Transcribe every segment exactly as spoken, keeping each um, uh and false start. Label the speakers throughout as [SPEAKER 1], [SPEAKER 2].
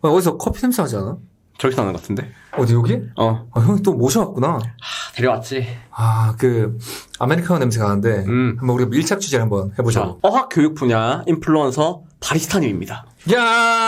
[SPEAKER 1] 어, 어디서 커피 냄새 하지 않아?
[SPEAKER 2] 저기서 나는 것 같은데?
[SPEAKER 1] 어디 여기?
[SPEAKER 2] 어.
[SPEAKER 1] 아, 형이 또 모셔왔구나.
[SPEAKER 2] 하, 데려왔지.
[SPEAKER 1] 아, 그 아메리카노 냄새가 나는데
[SPEAKER 2] 음.
[SPEAKER 1] 한번 우리가 밀착 취재를 한번 해보자.
[SPEAKER 2] 자, 어학 교육 분야 인플루언서 바리스타님입니다.
[SPEAKER 1] 야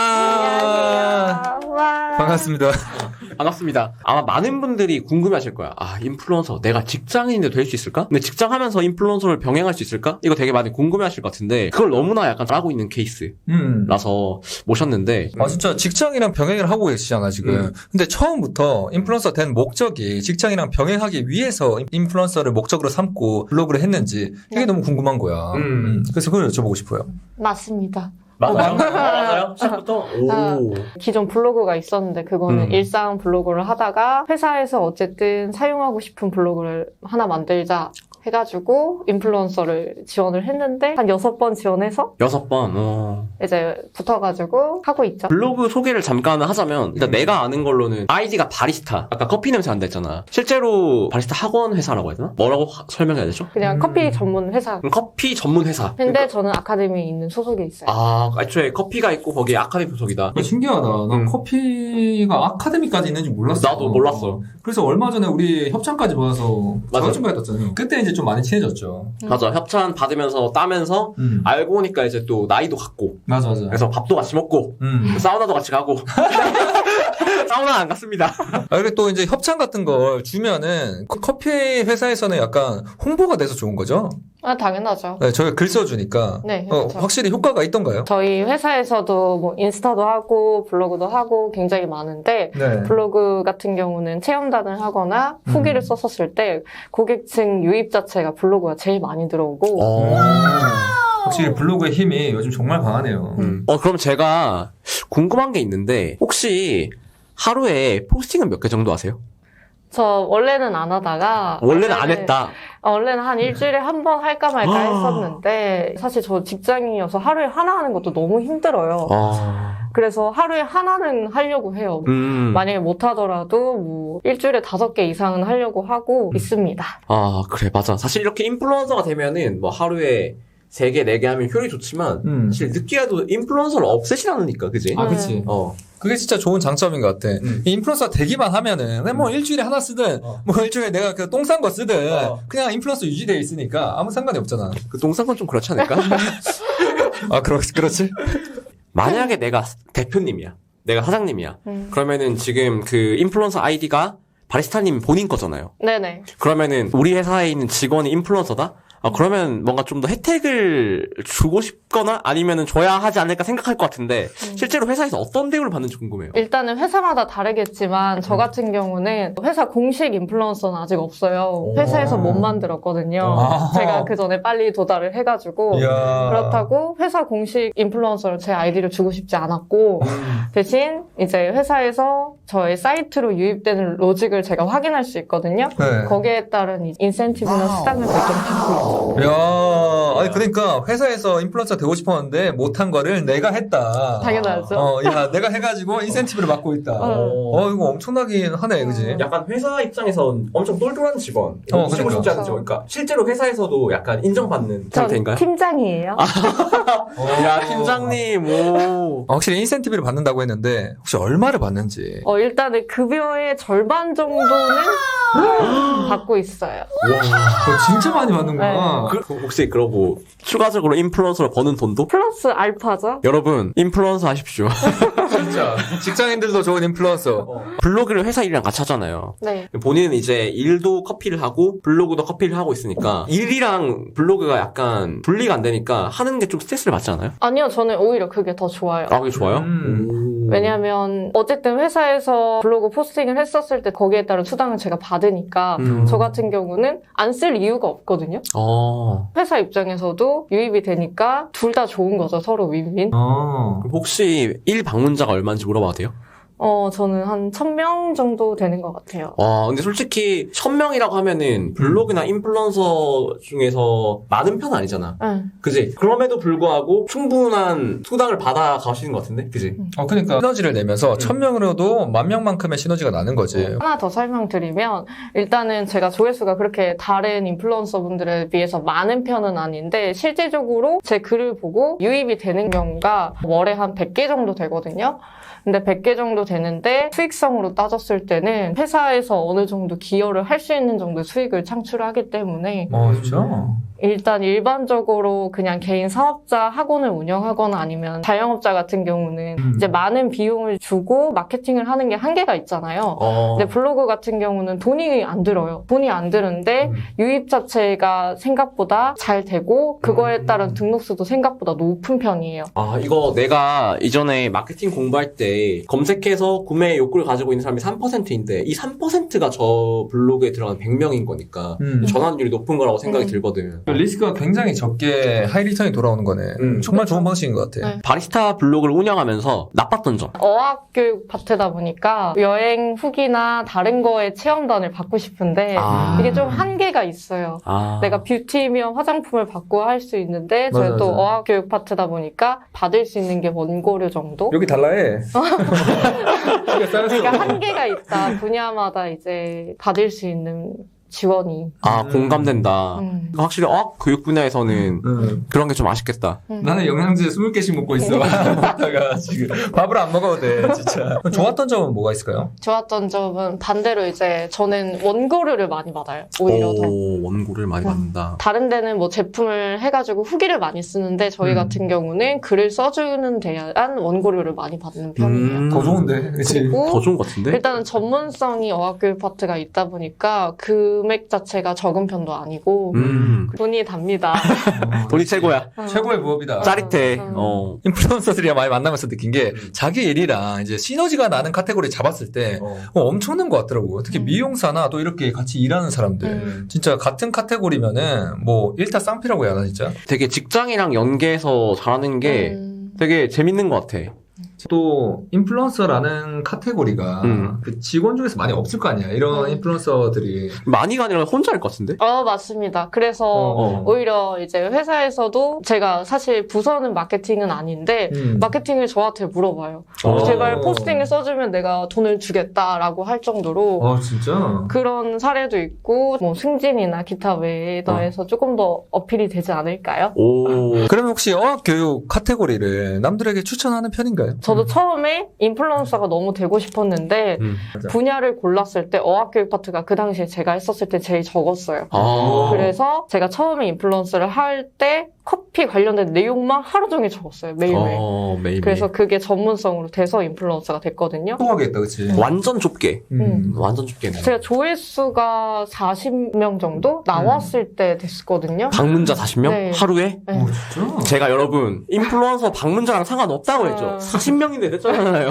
[SPEAKER 3] 안녕하세요. 와.
[SPEAKER 1] 반갑습니다.
[SPEAKER 2] 반갑습니다. 아마 많은 분들이 궁금해하실 거야. 아, 인플루언서 내가 직장인인데 될 수 있을까? 근데 직장하면서 인플루언서를 병행할 수 있을까? 이거 되게 많이 궁금해하실 것 같은데 그걸 너무나 약간 하고 있는 케이스라서
[SPEAKER 1] 음.
[SPEAKER 2] 모셨는데
[SPEAKER 1] 아, 진짜 직장이랑 병행을 하고 계시잖아, 지금.
[SPEAKER 2] 음.
[SPEAKER 1] 근데 처음부터 인플루언서 된 목적이 직장이랑 병행하기 위해서 인플루언서를 목적으로 삼고 블로그를 했는지 이게
[SPEAKER 3] 네.
[SPEAKER 1] 너무 궁금한 거야.
[SPEAKER 2] 음.
[SPEAKER 1] 음. 그래서 그걸 여쭤보고 싶어요.
[SPEAKER 3] 맞습니다.
[SPEAKER 2] 맞아요? 맞아요? 시작부터?
[SPEAKER 3] 아,
[SPEAKER 2] 오.
[SPEAKER 3] 기존 블로그가 있었는데 그거는
[SPEAKER 1] 음.
[SPEAKER 3] 일상 블로그를 하다가 회사에서 어쨌든 사용하고 싶은 블로그를 하나 만들자 해가지고 인플루언서를 지원을 했는데 한 여섯 번 지원해서
[SPEAKER 2] 여섯 번. 어.
[SPEAKER 3] 이제 붙어가지고 하고 있죠.
[SPEAKER 2] 블로그 소개를 잠깐 하자면 일단
[SPEAKER 1] 음.
[SPEAKER 2] 내가 아는 걸로는 아이디가 바리스타. 아까 커피 냄새 난다 했잖아. 실제로 바리스타 학원 회사라고 해야 되나? 뭐라고 하- 설명해야 되죠?
[SPEAKER 3] 그냥
[SPEAKER 1] 음.
[SPEAKER 3] 커피 전문 회사.
[SPEAKER 2] 그럼 커피 전문 회사.
[SPEAKER 3] 근데 저는 아카데미에 있는 소속에 있어요.
[SPEAKER 2] 아, 애초에 커피가 있고 거기에 아카데미 소속이다.
[SPEAKER 1] 아, 신기하다. 난
[SPEAKER 2] 음.
[SPEAKER 1] 커피가 아카데미까지 있는지 몰랐어.
[SPEAKER 2] 나도 몰랐어.
[SPEAKER 1] 그래서 얼마 전에 우리 협찬까지 받아서
[SPEAKER 2] 맞아.
[SPEAKER 1] 자격증 받았잖아요. 그때 이제 좀 많이 친해졌죠.
[SPEAKER 2] 맞아. 협찬 받으면서 따면서
[SPEAKER 1] 음.
[SPEAKER 2] 알고 보니까 이제 또 나이도 같고
[SPEAKER 1] 맞아, 맞아.
[SPEAKER 2] 그래서 밥도 같이 먹고
[SPEAKER 1] 음.
[SPEAKER 2] 사우나도 같이 가고 사우나 안 갔습니다.
[SPEAKER 1] 아, 그리고 또 이제 협찬 같은 걸 주면은 그 커피 회사에서는 약간 홍보가 돼서 좋은 거죠?
[SPEAKER 3] 아, 당연하죠.
[SPEAKER 1] 네, 저희가 글 써주니까.
[SPEAKER 3] 네,
[SPEAKER 1] 어,
[SPEAKER 3] 그렇죠.
[SPEAKER 1] 확실히 효과가 있던가요?
[SPEAKER 3] 저희 회사에서도 뭐 인스타도 하고 블로그도 하고 굉장히 많은데
[SPEAKER 1] 네.
[SPEAKER 3] 블로그 같은 경우는 체험단을 하거나 후기를
[SPEAKER 1] 음.
[SPEAKER 3] 썼었을 때 고객층 유입 자체가 블로그가 제일 많이 들어오고
[SPEAKER 1] 음. 확실히 블로그의 힘이 요즘 정말 강하네요.
[SPEAKER 2] 음. 어, 그럼 제가 궁금한 게 있는데 혹시 하루에 포스팅은 몇 개 정도 하세요?
[SPEAKER 3] 저 원래는 안 하다가
[SPEAKER 2] 원래는 안 했다.
[SPEAKER 3] 어, 원래는 한 일주일에 한 번 할까 말까
[SPEAKER 2] 아.
[SPEAKER 3] 했었는데 사실 저 직장인이어서 하루에 하나 하는 것도 너무 힘들어요.
[SPEAKER 2] 아.
[SPEAKER 3] 그래서 하루에 하나는 하려고 해요.
[SPEAKER 2] 음.
[SPEAKER 3] 만약에 못 하더라도 뭐 일주일에 다섯 개 이상은 하려고 하고 있습니다.
[SPEAKER 2] 아, 그래, 맞아. 사실 이렇게 인플루언서가 되면은 뭐 하루에 세 개, 네 개 하면 효율이 좋지만
[SPEAKER 1] 음.
[SPEAKER 2] 사실 늦게라도 인플루언서를 없애진 않으니까, 그지?
[SPEAKER 1] 아, 그치.
[SPEAKER 2] 어.
[SPEAKER 1] 그게 진짜 좋은 장점인 것 같아.
[SPEAKER 2] 음.
[SPEAKER 1] 이 인플루언서 되기만 하면은, 그냥 뭐 일주일에 하나 쓰든,
[SPEAKER 2] 어.
[SPEAKER 1] 뭐 일주일에 내가 그 똥 싼 거 쓰든,
[SPEAKER 2] 어.
[SPEAKER 1] 그냥 인플루언서 유지되어 있으니까 아무 상관이 없잖아.
[SPEAKER 2] 그 동상건 좀 그렇지 않을까?
[SPEAKER 1] 아, 그렇, 그렇지?
[SPEAKER 2] 만약에 내가 대표님이야. 내가 사장님이야.
[SPEAKER 3] 음.
[SPEAKER 2] 그러면은 지금 그 인플루언서 아이디가 바리스타님 본인 거잖아요.
[SPEAKER 3] 네네.
[SPEAKER 2] 그러면은 우리 회사에 있는 직원이 인플루언서다? 아, 그러면 뭔가 좀 더 혜택을 주고 싶거나 아니면은 줘야 하지 않을까 생각할 것 같은데
[SPEAKER 3] 음.
[SPEAKER 2] 실제로 회사에서 어떤 대우를 받는지 궁금해요.
[SPEAKER 3] 일단은 회사마다 다르겠지만 저 같은 경우는 회사 공식 인플루언서는 아직 없어요.
[SPEAKER 1] 오.
[SPEAKER 3] 회사에서 못 만들었거든요.
[SPEAKER 1] 아.
[SPEAKER 3] 제가 그 전에 빨리 도달을 해가지고
[SPEAKER 1] 이야.
[SPEAKER 3] 그렇다고 회사 공식 인플루언서를 제 아이디를 주고 싶지 않았고
[SPEAKER 1] 음.
[SPEAKER 3] 대신 이제 회사에서 저의 사이트로 유입되는 로직을 제가 확인할 수 있거든요.
[SPEAKER 1] 네.
[SPEAKER 3] 거기에 따른 인센티브나 수당을 결정 받고 있어요.
[SPEAKER 1] 야, 아니 그러니까 회사에서 인플루언서 되고 싶었는데 못한 거를 내가 했다.
[SPEAKER 3] 당연하죠.
[SPEAKER 1] 어, 야, 내가 해가지고 인센티브를 받고 있다.
[SPEAKER 3] 어.
[SPEAKER 1] 어, 이거 엄청나긴 하네, 그지?
[SPEAKER 2] 약간 회사 입장에서 엄청 똘똘한 직원,
[SPEAKER 1] 어,
[SPEAKER 2] 치고
[SPEAKER 1] 그러니까.
[SPEAKER 2] 싶지 않은 직원. 그러니까 실제로 회사에서도 약간 인정받는
[SPEAKER 3] 전
[SPEAKER 2] 상태인가요?
[SPEAKER 3] 팀장이에요.
[SPEAKER 1] 어.
[SPEAKER 2] 야, 팀장님, 오.
[SPEAKER 1] 어, 확실히 인센티브를 받는다고 했는데 혹시 얼마를 받는지.
[SPEAKER 3] 어, 일단은 급여의 절반 정도는 받고 있어요.
[SPEAKER 1] 그거 진짜 많이 받는구나.
[SPEAKER 2] 그, 혹시 그러고 추가적으로 인플루언서로 버는 돈도?
[SPEAKER 3] 플러스 알파죠?
[SPEAKER 2] 여러분, 인플루언서 하십시오.
[SPEAKER 1] 진짜. 직장인들도 좋은 인플루언서.
[SPEAKER 2] 블로그를 회사 일이랑 같이 하잖아요.
[SPEAKER 3] 네.
[SPEAKER 2] 본인은 이제 일도 커피를 하고 블로그도 커피를 하고 있으니까 일이랑 블로그가 약간 분리가 안 되니까 하는 게 좀 스트레스를 받지 않아요?
[SPEAKER 3] 아니요, 저는 오히려 그게 더 좋아요.
[SPEAKER 2] 아, 그게 좋아요?
[SPEAKER 1] 음.
[SPEAKER 2] 오.
[SPEAKER 3] 왜냐면 어쨌든 회사에서 블로그 포스팅을 했었을 때 거기에 따른 수당을 제가 받으니까
[SPEAKER 2] 음.
[SPEAKER 3] 저 같은 경우는 안 쓸 이유가 없거든요.
[SPEAKER 2] 어.
[SPEAKER 3] 회사 입장에서도 유입이 되니까 둘 다 좋은 거죠. 서로 윈윈.
[SPEAKER 1] 어.
[SPEAKER 2] 그럼 혹시 일 방문자가 얼마인지 물어봐도 돼요?
[SPEAKER 3] 어, 저는 한 천 명 정도 되는 것 같아요.
[SPEAKER 2] 와, 근데 솔직히 천 명이라고 하면은 블로그나 인플루언서 중에서 많은 편은 아니잖아.
[SPEAKER 3] 응.
[SPEAKER 2] 그지? 그럼에도 불구하고 충분한 수당을 받아 가시는 것 같은데? 그지?
[SPEAKER 1] 어, 그러니까 시너지를 내면서 천 명으로도 만 명만큼의 시너지가 나는 거지.
[SPEAKER 3] 하나 더 설명드리면 일단은 제가 조회수가 그렇게 다른 인플루언서 분들에 비해서 많은 편은 아닌데 실질적으로 제 글을 보고 유입이 되는 경우가 월에 한 백 개 정도 되거든요. 근데 백 개 정도 되는데 수익성으로 따졌을 때는 회사에서 어느 정도 기여를 할 수 있는 정도 수익을 창출하기 때문에
[SPEAKER 1] 어, 진짜?
[SPEAKER 3] 일단 일반적으로 그냥 개인 사업자 학원을 운영하거나 아니면 자영업자 같은 경우는
[SPEAKER 1] 음.
[SPEAKER 3] 이제 많은 비용을 주고 마케팅을 하는 게 한계가 있잖아요.
[SPEAKER 2] 어.
[SPEAKER 3] 근데 블로그 같은 경우는 돈이 안 들어요. 돈이 안 드는데
[SPEAKER 1] 음.
[SPEAKER 3] 유입 자체가 생각보다 잘 되고 그거에
[SPEAKER 1] 음.
[SPEAKER 3] 따른 등록수도 생각보다 높은 편이에요.
[SPEAKER 2] 아, 이거 내가 이전에 마케팅 공부할 때 검색해서 구매 욕구를 가지고 있는 사람이 삼 퍼센트인데 이 삼 퍼센트가 저 블로그에 들어가는 백 명인 거니까
[SPEAKER 1] 음.
[SPEAKER 2] 전환율이 높은 거라고 생각이
[SPEAKER 3] 음.
[SPEAKER 2] 들거든.
[SPEAKER 1] 리스크가 굉장히 적게 하이 리턴이 돌아오는 거네.
[SPEAKER 2] 음.
[SPEAKER 1] 정말 좋은 방식인 것 같아.
[SPEAKER 3] 네.
[SPEAKER 2] 바리스타 블로그를 운영하면서 나빴던 점.
[SPEAKER 3] 어학교육 파트다 보니까 여행 후기나 다른 거에 체험단을 받고 싶은데
[SPEAKER 2] 아.
[SPEAKER 3] 이게 좀 한계가 있어요.
[SPEAKER 2] 아.
[SPEAKER 3] 내가 뷰티면 화장품을 받고 할 수 있는데
[SPEAKER 1] 맞아,
[SPEAKER 3] 저희 또
[SPEAKER 1] 맞아.
[SPEAKER 3] 어학교육 파트다 보니까 받을 수 있는 게 원고료 정도?
[SPEAKER 1] 여기 달라해. 키가 쌓였어.
[SPEAKER 3] 그러니까 한계가 있다. 분야마다 이제 받을 수 있는 지원이.
[SPEAKER 2] 아,
[SPEAKER 1] 음.
[SPEAKER 2] 공감된다.
[SPEAKER 3] 음.
[SPEAKER 2] 확실히 어학 교육 분야에서는
[SPEAKER 1] 응.
[SPEAKER 2] 그런 게 좀 아쉽겠다.
[SPEAKER 3] 음.
[SPEAKER 1] 나는 영양제 스무 개씩 먹고 있어. 먹다가 지금 밥을 안 먹어도 돼, 진짜. 좋았던 점은 뭐가 있을까요?
[SPEAKER 3] 좋았던 점은 반대로 이제 저는 원고료를 많이 받아요. 오히려 더.
[SPEAKER 2] 오, 원고를 많이
[SPEAKER 3] 음.
[SPEAKER 2] 받는다.
[SPEAKER 3] 다른 데는 뭐 제품을 해가지고 후기를 많이 쓰는데 저희
[SPEAKER 1] 음.
[SPEAKER 3] 같은 경우는 글을 써주는 대한 원고료를 많이 받는 편이에요.
[SPEAKER 2] 음.
[SPEAKER 1] 더 좋은데, 그치?
[SPEAKER 3] 그리고
[SPEAKER 2] 더 좋은 것 같은데?
[SPEAKER 3] 일단은 전문성이 어학교육 파트가 있다 보니까 금액 자체가 적은 편도 아니고
[SPEAKER 2] 음.
[SPEAKER 3] 돈이 답니다.
[SPEAKER 2] 돈이 최고야.
[SPEAKER 3] 어.
[SPEAKER 1] 최고의 부업이다.
[SPEAKER 2] 짜릿해.
[SPEAKER 3] 음.
[SPEAKER 2] 어.
[SPEAKER 1] 인플루언서들이랑 많이 만나면서 느낀 게 자기 일이랑 이제 시너지가 나는 카테고리 잡았을 때
[SPEAKER 2] 어.
[SPEAKER 1] 어, 엄청난 것 같더라고. 특히
[SPEAKER 3] 음.
[SPEAKER 1] 미용사나 또 이렇게 같이 일하는 사람들.
[SPEAKER 3] 음.
[SPEAKER 1] 진짜 같은 카테고리면은 뭐 일타 쌍피라고 해야 하나 진짜.
[SPEAKER 2] 되게 직장이랑 연계해서 잘하는 게
[SPEAKER 3] 음.
[SPEAKER 2] 되게 재밌는 것 같아.
[SPEAKER 1] 또 인플루언서라는 카테고리가
[SPEAKER 2] 음.
[SPEAKER 1] 그 직원 중에서 많이 없을 거 아니야. 이런
[SPEAKER 3] 음.
[SPEAKER 1] 인플루언서들이.
[SPEAKER 2] 많이가 아니라 혼자 할 것 같은데?
[SPEAKER 3] 어, 맞습니다. 그래서
[SPEAKER 1] 어.
[SPEAKER 3] 오히려 이제 회사에서도 제가 사실 부서는 마케팅은 아닌데
[SPEAKER 1] 음.
[SPEAKER 3] 마케팅을 저한테 물어봐요.
[SPEAKER 1] 어.
[SPEAKER 3] 제발 포스팅을 써주면 내가 돈을 주겠다라고 할 정도로
[SPEAKER 1] 아 진짜.
[SPEAKER 3] 그런 사례도 있고 뭐 승진이나 기타 외에 더해서 조금 더 어필이 되지 않을까요?
[SPEAKER 2] 오.
[SPEAKER 1] 그러면 혹시 어학교육 카테고리를 남들에게 추천하는 편인가요?
[SPEAKER 3] 저도
[SPEAKER 1] 음.
[SPEAKER 3] 처음에 인플루언서가 너무 되고 싶었는데
[SPEAKER 2] 음.
[SPEAKER 1] 맞아.
[SPEAKER 3] 분야를 골랐을 때 어학교육 파트가 그 당시에 제가 했었을 때 제일 적었어요.
[SPEAKER 2] 아.
[SPEAKER 3] 그래서 제가 처음에 인플루언서를 할 때 커피 관련된 내용만 하루 종일 적었어요. 매일매일.
[SPEAKER 2] 어, 매일.
[SPEAKER 3] 그래서 그게 전문성으로 돼서 인플루언서가 됐거든요.
[SPEAKER 1] 통하겠다, 그치?
[SPEAKER 2] 완전 좁게.
[SPEAKER 3] 음.
[SPEAKER 2] 완전 좁게네.
[SPEAKER 3] 제가 조회수가 사십 명 정도 나왔을 때 됐거든요.
[SPEAKER 2] 방문자 사십 명?
[SPEAKER 3] 네.
[SPEAKER 2] 하루에?
[SPEAKER 3] 네.
[SPEAKER 1] 오, 진짜?
[SPEAKER 2] 제가 여러분, 인플루언서 방문자랑 상관없다고 했죠.
[SPEAKER 3] 어.
[SPEAKER 2] 사십 명인데 됐잖아요.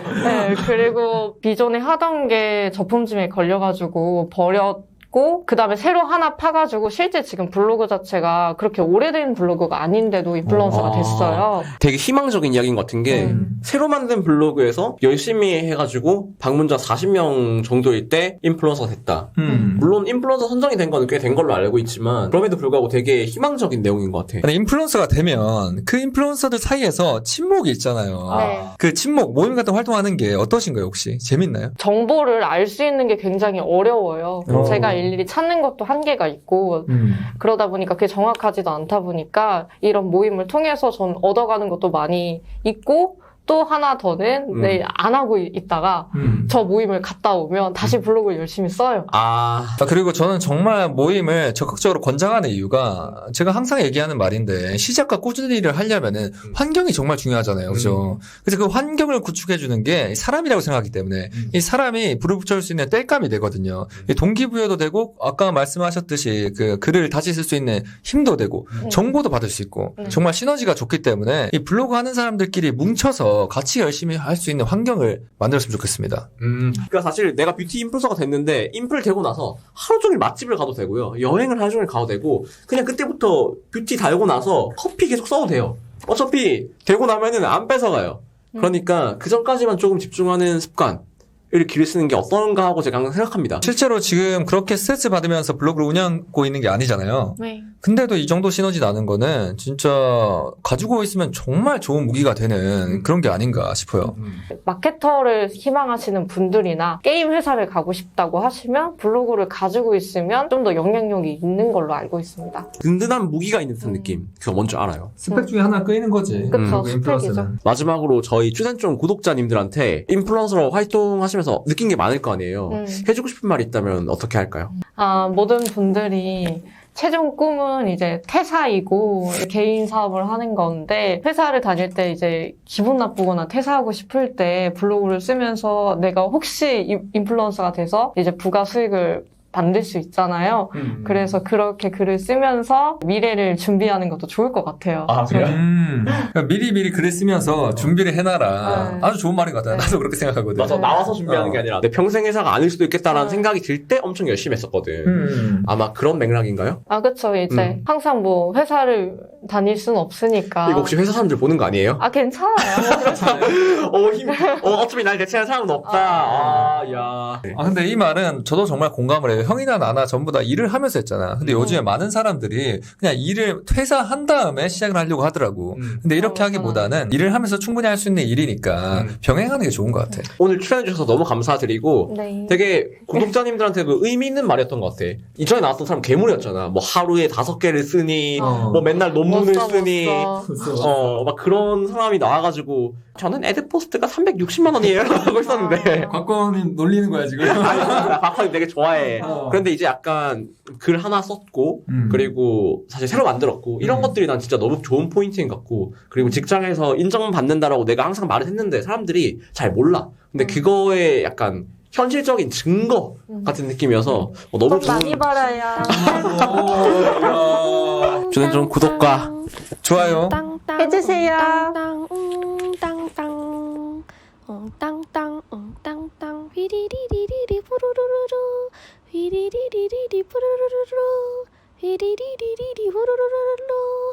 [SPEAKER 3] 네, 그리고 기존에 하던 게 저품질에 걸려가지고 버렸고, 그 다음에 새로 하나 파가지고 실제 지금 블로그 자체가 그렇게 오래된 블로그가 아닌데도 인플루언서가
[SPEAKER 2] 아.
[SPEAKER 3] 됐어요.
[SPEAKER 2] 되게 희망적인 이야기인 것 같은 게,
[SPEAKER 3] 음.
[SPEAKER 2] 새로 만든 블로그에서 열심히 해가지고 방문자 사십 명 정도일 때 인플루언서가 됐다.
[SPEAKER 1] 음.
[SPEAKER 2] 물론 인플루언서 선정이 된 거는 꽤 된 걸로 알고 있지만 그럼에도 불구하고 되게 희망적인 내용인 것 같아.
[SPEAKER 1] 근데 인플루언서가 되면 그 인플루언서들 사이에서 친목이 있잖아요.
[SPEAKER 3] 네.
[SPEAKER 1] 그 친목, 모임 같은 활동하는 게 어떠신가요, 혹시? 재밌나요?
[SPEAKER 3] 정보를 알 수 있는 게 굉장히 어려워요.
[SPEAKER 1] 어.
[SPEAKER 3] 제가 일일이 찾는 것도 한계가 있고,
[SPEAKER 1] 음.
[SPEAKER 3] 그러다 보니까 그게 정확하지도 않다 보니까 이런 모임을 통해서 전 얻어가는 것도 많이 있고, 또 하나 더는
[SPEAKER 2] 음.
[SPEAKER 3] 내일 안 하고 있다가
[SPEAKER 1] 음.
[SPEAKER 3] 저 모임을 갔다 오면 다시 블로그를 열심히 써요.
[SPEAKER 2] 아,
[SPEAKER 1] 아, 그리고 저는 정말 모임을 적극적으로 권장하는 이유가 제가 항상 얘기하는 말인데 시작과 꾸준히 일을 하려면은 환경이 정말 중요하잖아요. 그죠? 그래서 그 환경을 구축해주는 게 사람이라고 생각하기 때문에
[SPEAKER 2] 음.
[SPEAKER 1] 이 사람이 불을 붙여줄 수 있는 땔감이 되거든요. 이 동기부여도 되고 아까 말씀하셨듯이 그 글을 다시 쓸 수 있는 힘도 되고
[SPEAKER 3] 음.
[SPEAKER 1] 정보도 받을 수 있고
[SPEAKER 3] 음.
[SPEAKER 1] 정말 시너지가 좋기 때문에 이 블로그 하는 사람들끼리 뭉쳐서 같이 열심히 할 수 있는 환경을 만들었으면 좋겠습니다.
[SPEAKER 2] 음. 그러니까 사실 내가 뷰티 인플루언서가 됐는데 인플 되고 나서 하루 종일 맛집을 가도 되고요. 여행을 하루 종일 가도 되고 그냥 그때부터 뷰티 달고 나서 커피 계속 써도 돼요. 어차피 되고 나면은 안 뺏어가요. 그러니까 그 전까지만 조금 집중하는 습관. 길을 쓰는 게 어떤가 하고 제가 항상 생각합니다.
[SPEAKER 1] 실제로 지금 그렇게 스트레스 받으면서 블로그를 운영하고 있는 게 아니잖아요.
[SPEAKER 3] 네.
[SPEAKER 1] 근데도 이 정도 시너지 나는 거는 진짜 가지고 있으면 정말 좋은 무기가 되는 그런 게 아닌가 싶어요.
[SPEAKER 3] 마케터를 희망하시는 분들이나 게임 회사를 가고 싶다고 하시면 블로그를 가지고 있으면 좀 더 영향력이 있는 걸로 알고 있습니다.
[SPEAKER 2] 든든한 무기가 있는 듯한
[SPEAKER 3] 음.
[SPEAKER 2] 느낌. 그거 뭔지 알아요.
[SPEAKER 1] 스펙 중에 하나 끄이는 거지.
[SPEAKER 3] 그쵸,
[SPEAKER 1] 음,
[SPEAKER 3] 스펙이죠.
[SPEAKER 1] 인플루언서는.
[SPEAKER 2] 마지막으로 저희 추센종 구독자님들한테 인플루언서로 활동하시면서 느낀 게 많을 거 아니에요.
[SPEAKER 3] 음.
[SPEAKER 2] 해주고 싶은 말이 있다면 어떻게 할까요?
[SPEAKER 3] 아, 모든 분들이 최종 꿈은 이제 퇴사이고 개인 사업을 하는 건데 회사를 다닐 때 이제 기분 나쁘거나 퇴사하고 싶을 때 블로그를 쓰면서 내가 혹시 인- 인플루언서가 돼서 이제 부가 수익을 만들 수 있잖아요.
[SPEAKER 1] 음.
[SPEAKER 3] 그래서 그렇게 글을 쓰면서 미래를 준비하는 것도 좋을 것 같아요.
[SPEAKER 2] 아, 그래요?
[SPEAKER 1] 음. 그러니까 미리미리 글을 쓰면서 준비를 해놔라.
[SPEAKER 3] 네.
[SPEAKER 1] 아주 좋은 말인 것 같아요.
[SPEAKER 3] 네.
[SPEAKER 1] 나도 그렇게 생각하거든.
[SPEAKER 2] 맞아, 나와서 준비하는
[SPEAKER 1] 어.
[SPEAKER 2] 게 아니라 내 평생 회사가 아닐 수도 있겠다라는
[SPEAKER 3] 네.
[SPEAKER 2] 생각이 들 때 엄청 열심히 했었거든.
[SPEAKER 1] 음.
[SPEAKER 2] 아마 그런 맥락인가요?
[SPEAKER 3] 아, 그쵸. 이제
[SPEAKER 2] 음.
[SPEAKER 3] 항상 뭐 회사를 다닐 수는 없으니까.
[SPEAKER 2] 이거 혹시 회사 사람들 보는 거 아니에요?
[SPEAKER 3] 아, 괜찮아요.
[SPEAKER 2] 어, 힘, 어, 어차피 날 대체할 사람은 없다. 아, 야.
[SPEAKER 1] 아, 근데 이 말은 저도 정말 공감을 해요. 형이나 나나 전부 다 일을 하면서 했잖아. 근데
[SPEAKER 3] 음.
[SPEAKER 1] 요즘에 많은 사람들이 그냥 일을 퇴사한 다음에 시작을 하려고 하더라고.
[SPEAKER 2] 음.
[SPEAKER 1] 근데 이렇게
[SPEAKER 3] 어,
[SPEAKER 1] 하기보다는 일을 하면서 충분히 할 수 있는 일이니까
[SPEAKER 2] 음.
[SPEAKER 1] 병행하는 게 좋은 것 같아.
[SPEAKER 2] 오늘 출연해주셔서 너무 감사드리고,
[SPEAKER 3] 네.
[SPEAKER 2] 되게 구독자님들한테 그 의미 있는 말이었던 것 같아. 이전에 나왔던 사람 괴물이었잖아. 뭐 하루에 다섯 개를 쓰니,
[SPEAKER 1] 어.
[SPEAKER 2] 뭐 맨날 논문을
[SPEAKER 3] 못 써, 못
[SPEAKER 2] 쓰니,
[SPEAKER 3] 써.
[SPEAKER 2] 어, 막 그런 사람이 나와가지고, 저는 에드포스트가 삼백육십만 원이에요. 하고 있었는데.
[SPEAKER 1] 곽건이 놀리는 거야, 지금.
[SPEAKER 2] 나 박하이 되게 좋아해.
[SPEAKER 1] 어.
[SPEAKER 2] 그런데 이제 약간 글 하나 썼고,
[SPEAKER 1] 음.
[SPEAKER 2] 그리고 사실 새로 만들었고, 이런
[SPEAKER 1] 음.
[SPEAKER 2] 것들이 난 진짜 너무 좋은 포인트인 것 같고, 그리고 직장에서 인정받는다라고 내가 항상 말을 했는데 사람들이 잘 몰라. 근데
[SPEAKER 3] 음.
[SPEAKER 2] 그거에 약간 현실적인 증거
[SPEAKER 3] 음.
[SPEAKER 2] 같은 느낌이어서 어, 너무
[SPEAKER 3] 돈
[SPEAKER 2] 좋은.
[SPEAKER 3] 많이 벌어요.
[SPEAKER 2] 주는 좀 구독과
[SPEAKER 1] 좋아요.
[SPEAKER 3] 해주세요.
[SPEAKER 4] 땅땅 웅땅땅 웅땅땅 웅땅땅 휘리리리리리 부르르르르 휘리리리리리 부르르르르 휘리리리리리 부르르르르